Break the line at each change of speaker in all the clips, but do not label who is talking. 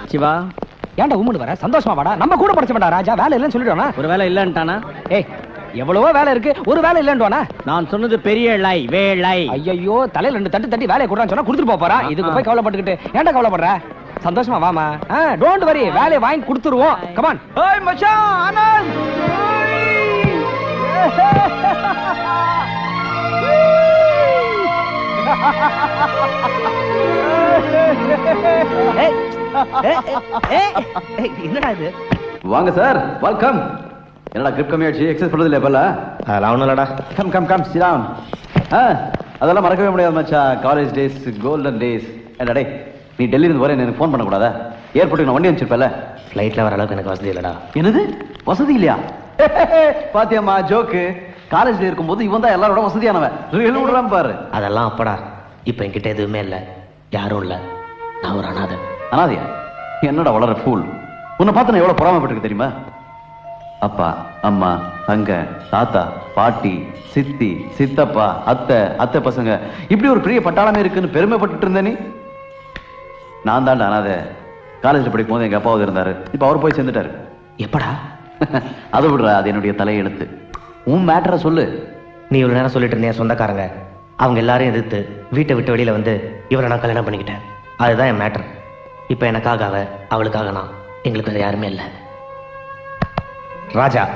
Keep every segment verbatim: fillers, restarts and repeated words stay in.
சிவா
ஏன்டா உம்முன்னு வர? சந்தோஷமா வாடா. நம்ம கூட படிச்சவன்டா ராஜா. வேலை இல்லைன்னு சொல்லிடுவானா?
ஒரு வேலை இல்லன்ட்டானா?
ஏய் எவ்வளவோ வேலை இருக்கு, ஒரு வேலை இல்லன்றானா?
நான் சொன்னது பெரிய லை வேலை.
ஐயோ தலையில ரெண்டு தட்டு தட்டி வேலையை கொடுறான்னு சொன்னா கொடுத்துட்டு போறா. இதுக்கு போய் கவலைப்பட்டுக்கிட்டு ஏன்டா கவலைப்படுற? சந்தோஷமா வாமா. டோன்ட் வரி, வேலையை வாங்கி கொடுத்துருவோம். Come on. ஏய் மச்சான் ஆனந்த்.
என்னடா இது?
வாங்க சார், வெல்கம். என்னடா கிரிப் கம்மியாச்சு, எக்ஸஸ் பண்றது இல்ல இப்பல?
அதெல்லாம் ஒண்ணும் இல்லடா.
Come come come sit down. அதெல்லாம் மறக்கவே முடியாது மச்சான். College days, golden days. என்னடா டேய், நீ டெல்லியில இருந்து வரேன் எனக்கு ஃபோன் பண்ண கூடாதா? ஏர்போர்ட்டுக்கு நான் வண்டி அனுப்பிச்சிருப்பேல.
ஃப்ளைட்ல வர அளவுக்கு எனக்கு வசதி இல்லடா.
என்னது வசதி இல்லையா? பாத்தியம்மா ஜோக்கு. காலேஜ்ல இருக்கும்போது இவன் தான் எல்லாரோட வசதியானவன். ரியல் விடுறான் பாரு.
அதெல்லாம் அப்படா. இப்ப என்கிட்ட எதுவுமே இல்ல, யாரும் இல்ல. நான் ஒரு அனாதை.
அனாதையா? என்னடா வளர ஃபூல். உன்னை பார்த்து நான் எவ்வளவு பொறாமப்பட்டிருக்கு தெரியுமா? அப்பா, அம்மா, தங்க, தாத்தா, பாட்டி, சித்தி, சித்தப்பா, அத்தை, அத்தை பசங்க, இப்படி ஒரு பெரிய பட்டாளமே இருக்குன்னு பெருமைப்பட்டு இருந்த நீ. நான் தாண்டா அனாதை. காலேஜ்ல படிக்கும் போது எங்க அப்பாவது இருந்தாரு. இப்ப அவர் போய் சேர்ந்துட்டாரு.
எப்படா?
அதை விடுற, அது என்னுடைய தலையெழுத்து. உன் மேட்டரை சொல்லு.
நீ இவ்வளவு நேரம் சொல்லிட்டு இருந்தேன் சொந்தக்காரங்க, அவங்க எல்லாரையும் எதிர்த்து வீட்டை விட்டு வெளியில வந்து இவரை நான் கல்யாணம் பண்ணிக்கிட்டேன். அதுதான் என் மேட்டர். இப்ப எனக்காக அவ, அவளுக்காக நான். எங்களுக்கு வேற யாருமே இல்லை. ராஜா.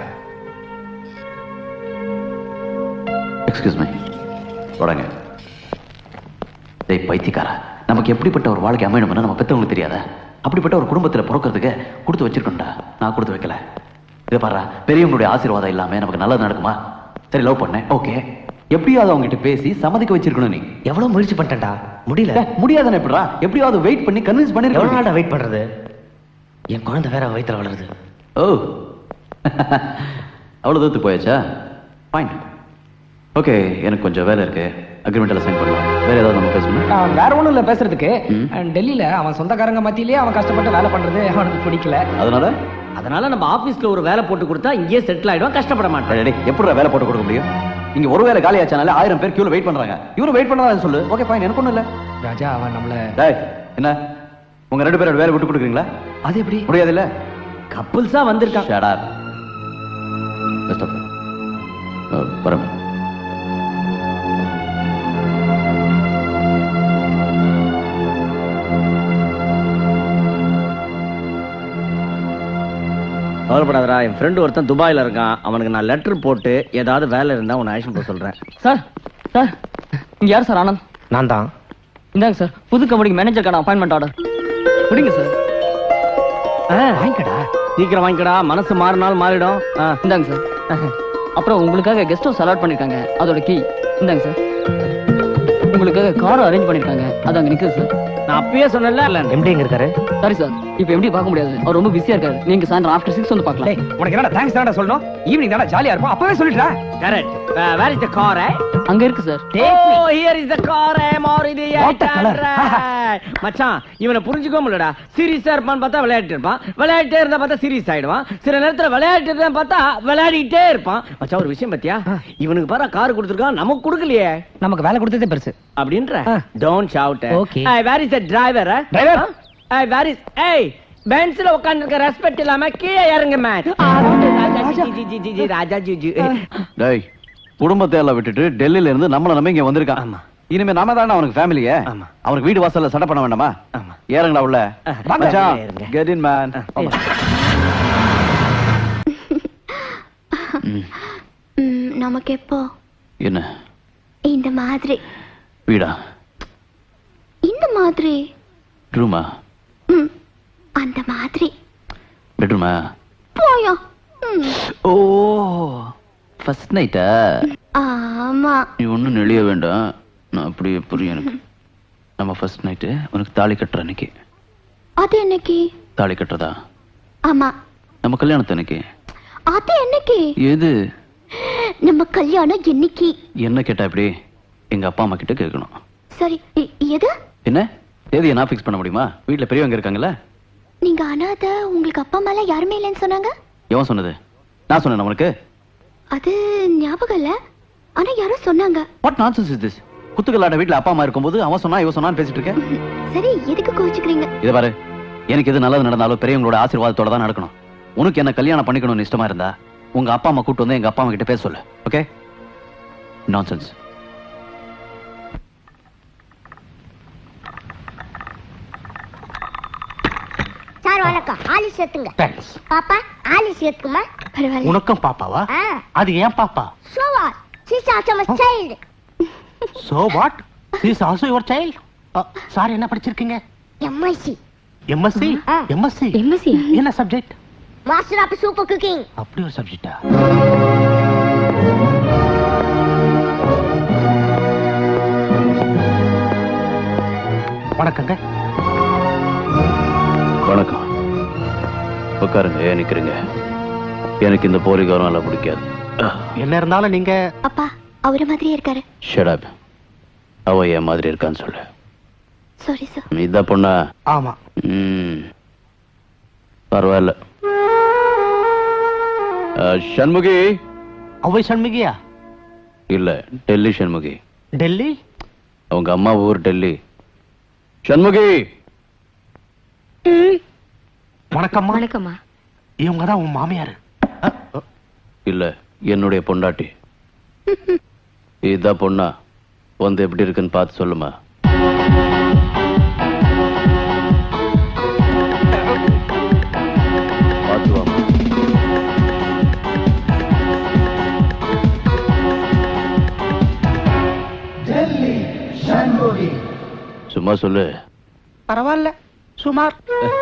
Excuse me. தொடங்க. டேய் பைத்தியக்காரா, நமக்கு எப்படிப்பட்ட ஒரு வாழ்க்கை அமையணும்னு நம்ம பெற்றவங்களுக்கு தெரியாத? அப்படிப்பட்ட ஒரு குடும்பத்தில் பிறக்கிறதுக்கு கொடுத்து வச்சிருக்கோம்டா. நான் கொடுத்து வைக்கல. இதை பாரு, பெரியவங்களுடைய ஆசீர்வாதம் இல்லாம நமக்கு நல்லது நடக்குமா? சரி, லவ் பண்ணேன், ஓகே. எப்படியாவது அவங்க கிட்ட பேசி சம்மதிக்க வச்சிருக்கணும். நீ
எவ்வளவு முயற்சி பண்ணிட்டேன்டா, முடியல.
முடியாதானே எப்படா? எப்படியாவது வெயிட் பண்ணி கன்வின்ஸ் பண்ணி.
எவ்வளவு நாளா வெயிட் பண்றது? என் குழந்தை வேற வயித்துல வளருது.
ஓ, அவ்வளவு தூரத்துக்கு போயாச்சா? Fine, okay. எனக்கு கொஞ்சம் வேலை இருக்கு. அக்ரிமெண்ட் எல்லாம் சைன் பண்ணலாம். வேற ஏதாவது நம்ம பேசணும்?
வேற ஒண்ணும் இல்ல பேசுறதுக்கு. டெல்லியில அவன் சொந்தக்காரங்க மத்தியிலேயே அவன் கஷ்டப்பட்டு வேலை பண்றது அவனுக்கு பிடிக்கல.
அதனால
அதனால நம்ம ஆபீஸ்ல ஒரு வேலை போட்டு கொடுத்தா இங்கேயே செட்டில் ஆயிடுவான், கஷ்டப்பட மாட்டான்.
எப்படி வேலை போட்டு கொடுக்க முடியும்? இங்க ஒரு வேலை காலி ஆச்சானால ஆயிரம் பேர் கியூல வெயிட் பண்றாங்க. இவரு வெயிட் பண்ணாத சொல்லு. ஓகே ஃபைன், எனக்கு ஒண்ணும் இல்ல.
ராஜா அவன் நம்மள.
டேய் என்ன, உங்க ரெண்டு பேரோட வேலை விட்டு கொடுக்குறீங்களா?
அது எப்படி
முடியாது இல்ல?
கப்புள்ஸா வந்திருக்கான்.
Shut up. பெஸ்ட் ஆஃப் பரம்.
கவலைப்படாதடா, என் ஃப்ரெண்டு ஒருத்தன் துபாயில இருக்கான். அவனுக்கு நான் லெட்டர் போட்டு ஏதாவது வேலை இருந்தா உன்னை ஆக்ஷன் போக சொல்றேன்.
சார் சார் இங்க யார் சார்? ஆனந்த்.
நான் தான்.
இந்தாங்க சார், புது கம்பெனிக்கு மேனேஜருக்கான அப்பாயின்மெண்ட் ஆர்டர். பிடிங்க சார்.
வாங்கிக்கடா,
சீக்கிரம் வாங்கிக்கடா, மனசு மாறினாலும் மாறிடும்.
இந்தாங்க சார். அப்புறம் உங்களுக்காக கெஸ்ட் ஹவுஸ் அலாட் பண்ணிருக்காங்க, அதோட கீ இந்தாங்க சார். உங்களுக்காக கார் அரேஞ்ச் பண்ணிருக்காங்க, அது அங்க நிக்குது சார்.
நான் அப்பயே சொன்னேன்ல.
எம்டி எங்க இருக்காரு?
சாரி சார், இப்போ எப்படி பார்க்க முடியாது, அவர் ரொம்ப பிஸியா இருக்காரு. நீங்க சாயந்தரம் ஆஃப்டர் சிக்ஸ் வந்து பார்க்கலாம்.
உனக்கு என்னடா தேங்க்ஸ் தானடா சொல்லணும்? ஈவினிங் தானடா ஜாலியா இருக்கும், அப்பவே சொல்லிட்டா.
Correct. Where is the car?
அங்க இருக்கு sir.
Oh, here is the car. Maruti eight hundred. மச்சான், இவனை புரிஞ்சுக்கவே முடியலடா. சீரியஸா இருப்பான்னு பார்த்தா விளையாட்டு இருப்பான், விளையாட்டே இருந்தா பார்த்தா சீரியஸ் ஆயிடுவான், சில நேரத்துல விளையாட்டு இருந்தா பார்த்தா விளையாடிட்டே இருப்பான். மச்சான் ஒரு விஷயம் பத்தியா, இவனுக்கு பாரு கார் கொடுத்துருக்கான், நமக்கு கொடுக்கலையே.
நமக்கு வேலை கொடுத்ததே பெருசு
அப்படின்ற. Don't shout.
Okay.
Where is the driver?
Driver
where is? ஏய், பென்ஸ்ல உட்கார்ந்திருக்க ரெஸ்பெக்ட் இல்லாம கீழே இறங்கு மேன். ராஜா ஜி ஜி.
டேய், குடும்பத்தை எல்லாம் விட்டுட்டு டெல்லியில இருந்து நம்மள நம்ம இங்க வந்திருக்கான்.
ஆமா.
இனிமே நாம தானே அவனுக்கு ஃபேமிலியே.
ஆமா.
அவனுக்கு வீடு வாசல்ல சட்டை பண்ண வேண்டாமா?
ஆமா.
ஏறுங்கடா உள்ள. மச்சான்,
ஏறுங்க.
Get in man.
நமக்கு எப்போ
என்ன
இந்த மாதிரி
வீடா?
இந்த மாதிரி
ரூமா?
அந்த மாதிரி
பெட்ரூமா?
போயா?
ஓ, ஃபர்ஸ்ட் நைட்டா?
ஆமா.
நீ ஒன்றும் நெளிய வேண்டாம், நான் அப்படியே புரியும் எனக்கு. நம்ம ஃபர்ஸ்ட் நைட்டு உனக்கு தாலி கட்டுற அன்னைக்கு.
அது என்னைக்கு?
தாலி கட்டுறதா?
ஆமா.
நம்ம கல்யாணத்து அன்னைக்கு.
அது என்னைக்கு?
எது?
நம்ம கல்யாணம் என்னைக்கு?
என்ன கேட்டா எப்படி? எங்க அப்பா அம்மா கிட்ட கேட்கணும்.
சரி, எது?
என்ன தேதியை நான் ஃபிக்ஸ் பண்ண முடியுமா? வீட்டுல பெரியவங்க இருக்காங்கல்ல.
நீங்க அனாத, உங்களுக்கு அப்பா அம்மா எல்லாம் யாருமே இல்லைன்னு சொன்னாங்க.
எவன் சொன்னது? நான் சொன்னேன் உனக்கு?
அது ஞாபகம் இல்ல, ஆனா யாரோ சொன்னாங்க.
What nonsense is this? குத்துக்கலாட வீட்டுல அப்பா அம்மா இருக்கும்போது அவன் சொன்னா இவன் சொன்னான்னு பேசிட்டு இருக்கேன்.
சரி, எதுக்கு கோவிச்சுக்கிறீங்க?
இத பாரு, எனக்கு எது நல்லது நடந்தாலும் பெரியவங்களோட ஆசீர்வாதத்தோட தான் நடக்கணும். உனக்கு என்ன கல்யாணம் பண்ணிக்கணும்னு இஷ்டமா இருந்தா உங்க அப்பா அம்மா கூட்டு வந்து எங்க அப்பா அம்மா கிட்ட பேச சொல்லு. ஓகே? நான்சென்ஸ்.
சார் வணக்கம். ஆலிஸ் ஏத்துங்க. பாப்பா ஆலிஸ் ஏத்துக்குமா? பரவாயில்ல.
உனக்கும் பாப்பாவா? அது ஏன் பாப்பா?
So what? She's also my child.
So what? She's also your child? Sir என்ன படிச்சிருக்கீங்க?
M S c.
M S c? M S c?
M S c?
என்ன subject?
Master of super cooking.
அப்படி ஒரு சப்ஜெக்ட்டா? வணக்கங்க.
வணக்கம். உட்காருங்க. ஏன் நிக்கிறீங்க? எனக்கு இந்த போலிகாரம் எல்லாம் பிடிக்காது.
என்ன இருந்தாலும் நீங்க
அப்பா அவர மாதிரியே இருக்காரு.
Shut up. அவ என் மாதிரி இருக்கான்னு சொல்லு.
Sorry sir.
இதான் பொண்ணா?
ஆமா.
ம், பரவாயில்ல. சண்முகி.
அவை சண்முகியா?
இல்ல, டெல்லி சண்முகி.
டெல்லி?
அவங்க அம்மா ஊர் டெல்லி. சண்முகி.
வணக்கம்மா.
வணக்கம்மா.
இவங்க தான் உன் மாமியார்?
இல்ல, என்னுடைய பொண்டாட்டி. இதான் பொண்ணா? வந்து எப்படி இருக்குன்னு பார்த்து சொல்லுமா. பார்த்து வாமா. சும்மா சொல்லு.
பரவாயில்ல, சுமார்.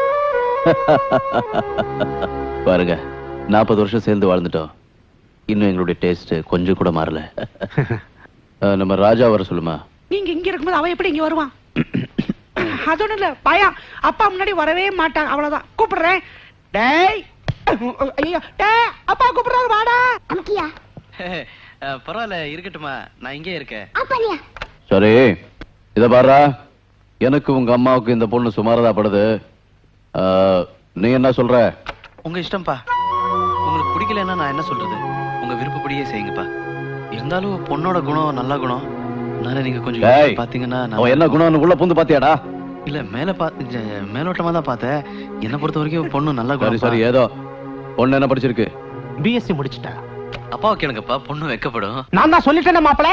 பாருங்க, நாற்பது வருஷம் சேர்ந்து வாழ்ந்துட்டோம். இன்னும் எங்களுடைய டேஸ்ட் கொஞ்சம் கூட மாறல. நம்ம ராஜா வர சொல்லுமா.
நீங்க இங்க இருக்கும்போது அவன் எப்படி இங்க வருவான்? அது இல்ல பயம். அப்பா முன்னாடி வரவே மாட்டான். அவ்வளவுதான். கூப்பிடுறேன். டேய், ஐயோ, டேய், அப்பா கூப்பிடுறாரு, வாடா.
அம்கியா?
பரவாயில்ல, இருக்கட்டுமா, நான் இங்கே இருக்கேன்.
அப்பனியா?
சரி, இத பாரா. எனக்கு உங்க அம்மாவுக்கு இந்த பொண்ணு சுமாரதா படுது. நீ என்ன சொல்ற?
உங்க இஷ்டம்ப்பா. உங்களுக்கு பிடிக்கலன்னா நான் என்ன சொல்றது? உங்க விருப்பப்படியே செய்யுங்கப்பா. இருந்தாலும் பொண்ணோட குணம் நல்ல குணம். அதனால நீங்க கொஞ்சம் பாத்தீங்கன்னா.
அவன் என்ன குணம் உள்ள பூந்து பாத்தியாடா?
இல்ல, மேல பா மேலோட்டமா தான் பார்த்தேன். என்ன பொறுத்த வரைக்கும் பொண்ணு நல்ல குணம்.
சரி, ஏதோ. பொண்ணு என்ன படிச்சிருக்கு?
B S c முடிச்சிட்டா.
அப்பா கேளுங்கப்பா, பொண்ணு வெக்கப்படும்.
நான் தான் சொல்லிட்டேன் மாப்பிள.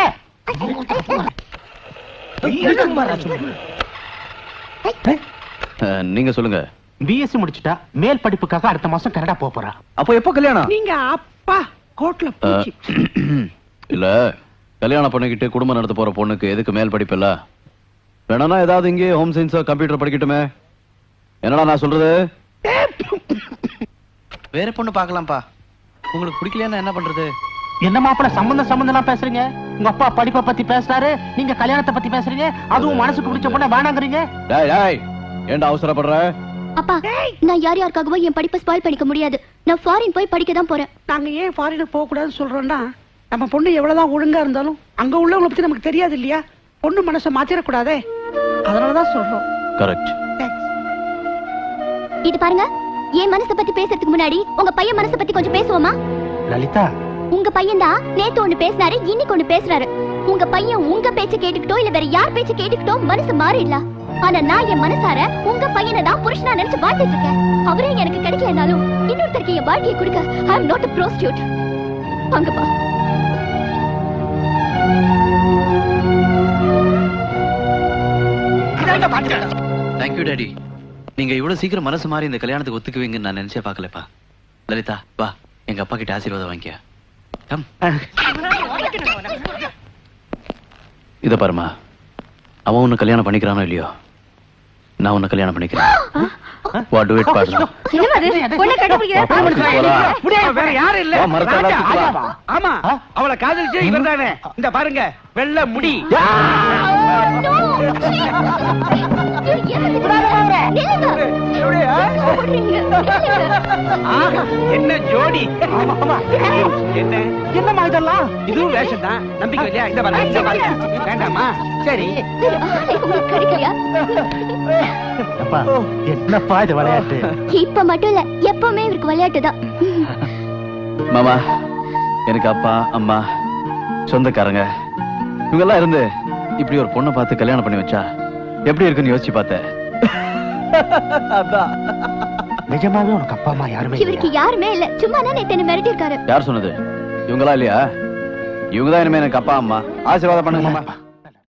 நீங்க சொல்லுங்க.
B S c முடிச்சிட்டா. மேல் படிப்புக்காக அடுத்த மாசம் கனடா போக போறா.
அப்போ எப்போ கல்யாணம்?
நீங்க அப்பா கோட்ல பூச்சி.
இல்ல, கல்யாணம் பண்ணிக்கிட்டு குடும்பம் நடத்த போற பொண்ணுக்கு எதுக்கு மேல் படிப்பு இல்ல? வேணா ஏதாவது இங்கே ஹோம் சயின்ஸ் கம்ப்யூட்டர் படிக்கட்டுமே. என்னடா நான் சொல்றது?
வேற பொண்ணு பார்க்கலாம்ப்பா. உங்களுக்கு பிடிக்கலையா என்ன பண்றது?
என்ன மாப்பிள சம்பந்தம் சம்பந்தம் பேசுறீங்க? உங்க அப்பா படிப்பை பத்தி பேசுறாரு, நீங்க கல்யாணத்தை பத்தி பேசுறீங்க. அதுவும் மனசுக்கு பிடிச்ச பொண்ண வேணாங்கறீங்க.
டேய் டேய், ஏன்டா அவசரப்படுற?
அப்பா, நான் யார் யாருக்காகவோ என் படிப்பை ஸ்பாயில் பண்ணிக்க முடியாது. நான் ஃபாரின் போய் படிக்க தான் போறேன்.
நாங்க ஏன் ஃபாரினுக்கு போக கூடாதுன்னு சொல்றோம்னா, நம்ம பொண்ணு எவ்வளவுதான் ஒழுங்கா இருந்தாலும் அங்க உள்ளவங்களை பத்தி நமக்கு தெரியாது இல்லையா? பொண்ணு மனசை மாத்திரக்கூடாதே, அதனாலதான் சொல்றோம்.
கரெக்ட்.
இது பாருங்க, என் மனசை பத்தி பேசுறதுக்கு முன்னாடி உங்க பையன் மனசை பத்தி கொஞ்சம் பேசுவோமா?
லலிதா,
உங்க பையன் தான் நேத்து ஒண்ணு பேசினாரு, இன்னைக்கு ஒண்ணு பேசுறாரு. உங்க பையன் உங்க பேச்ச கேட்டுக்கிட்டோ இல்ல வேற யார் பேச்ச கேட்டுக்கிட்டோ மனசு மாறிடலாம். ஆனா நான் என் மனசார உங்க பையனை தான் புருஷனா நினைச்சு வாழ்ந்துட்டு இருக்கேன். அவரே எனக்கு கிடைக்கலனாலும் இன்னொருத்தருக்கு என் வாழ்க்கையை கொடுக்க I am not a prostitute. அங்கப்பா.
Thank you daddy. நீங்க இவ்வளவு சீக்கிரம் மனசு மாறி இந்த கல்யாணத்துக்கு ஒத்துக்குவீங்கன்னு நான் நினைச்சே பார்க்கலப்பா. லலிதா, வா, எங்க அப்பா கிட்ட ஆசீர்வாதம் வாங்கிக்க. கம். இத பாருமா, அவன் உன்னை கல்யாணம் பண்ணிக்கிறானோ இல்லையோ, நான் உன்னை கல்யாணம் பண்ணிக்கிறேன். வாட் டு இட் பாருங்க.
வேற யாரும் இல்ல. ஆமா, அவளை காதலிச்சே இவர் தானே. இந்த பாருங்க, வெள்ளை முடி. என்ன ஜோடி. என்ன
என்னமா இதெல்லாம்?
இதுவும் வேஷம் தான். நம்பிக்கை இல்லையா? இந்த பாருங்க, இந்த பாருங்க. வேண்டாமா? சரி.
அப்பா, என்னப்பா இது விளையாட்டு?
இப்ப மட்டும் இல்ல, எப்பவுமே இவருக்கு விளையாட்டு தான்.
மாமா, எனக்கு அப்பா அம்மா சொந்தக்காரங்க இவங்க எல்லாம் இருந்து இப்படி ஒரு பொண்ணை பார்த்து கல்யாணம் பண்ணி வச்சா எப்படி இருக்குன்னு யோசிச்சு பார்த்தேன்.
அதான் நிஜமாவே உனக்கு அப்பா அம்மா யாருமே
இவருக்கு யாருமே இல்ல சும்மா தான் நேத்து என்ன மிரட்டி இருக்காரு.
யார் சொன்னது? இவங்களா இல்லையா? இவங்க தான் இனிமே எனக்கு அப்பா அம்மா. ஆசீர்வாதம் பண்ணுங்க மாமா.